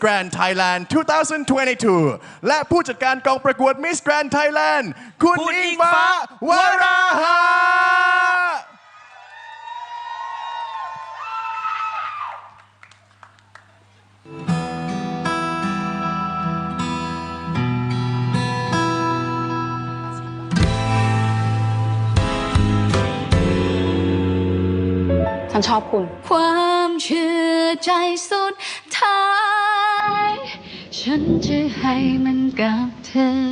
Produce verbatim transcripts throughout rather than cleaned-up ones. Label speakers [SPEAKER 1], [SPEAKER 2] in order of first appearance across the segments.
[SPEAKER 1] Grand Thailand สองพันยี่สิบสอง และผู้จัดการกองประกวด Miss Grand Thailand คุณอิงฟ้าวราหะ
[SPEAKER 2] ฉันชอบคุณความเชื่อใจสุดท้ายฉันจะให้มันกับเธอ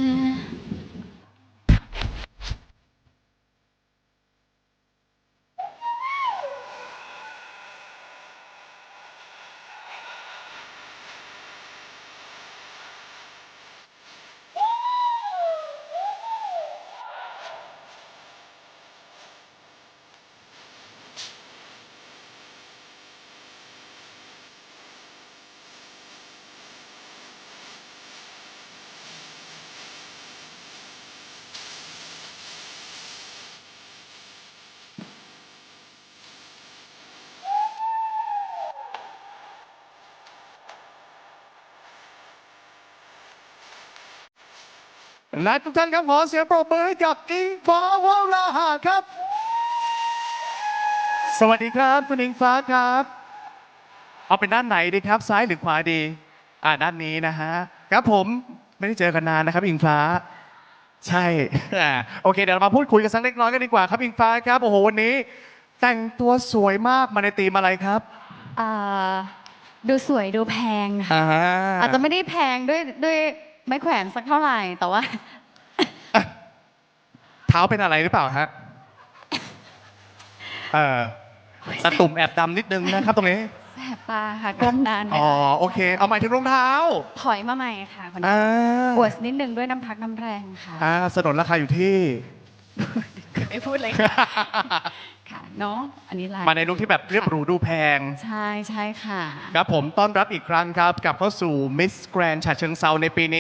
[SPEAKER 3] และทุกท่านครับขอเสียงปรบมือให้กับอิงฟ้าวราหะครับสวัสดีครับคุณอิงฟ้าครับเอาเป็นด้านไหนดีครับซ้ายหรือขวาดีอ่าด้านนี้นะฮะครับผมไม่ได้เจอกันนานนะครับอิงฟ้าใช่โอเคเดี๋ยวเรามาพูดคุยกันสักเล็กน้อยกันดีกว่าครับอิงฟ้าครับโอ้โหวันนี้แต่งตัวสวยมากมาในธีมอะไรครับ
[SPEAKER 2] อ่าดูสวยดูแพงค่ะ
[SPEAKER 3] อ่า
[SPEAKER 2] อาจจะไม่ได้แพงด้วยด้วยไม้แขวนสักเท่าไหร่แต่ว่า
[SPEAKER 3] เท้าเป็นอะไรหรือเปล่าฮะเออตะตุ่มแอบดำนิดนึงนะครับตรงนี้
[SPEAKER 2] แสบตาค่ะก้มนานไป
[SPEAKER 3] อ๋อโอเคเอาหมายถึงรองเท้า
[SPEAKER 2] ถอยมาใหม่ค่ะคนนี้
[SPEAKER 3] อ่า
[SPEAKER 2] อวดนิดนึงด้วยน้ำพักน้ำแรงค่ะ
[SPEAKER 3] อ่าสนนราคาอยู่ที่
[SPEAKER 2] ไม่พูดเลยค่ะ ค่ะเนาะอันนี้ลาย
[SPEAKER 3] มาในลุคที่แบบเรียบหรูดูแพง
[SPEAKER 2] ใช่ใช่ค่ะ
[SPEAKER 3] ครับผมต้อนรับอีกครั้งครับกลับเข้าสู่ Miss Grand ฉะเชิงเซาในปีนี้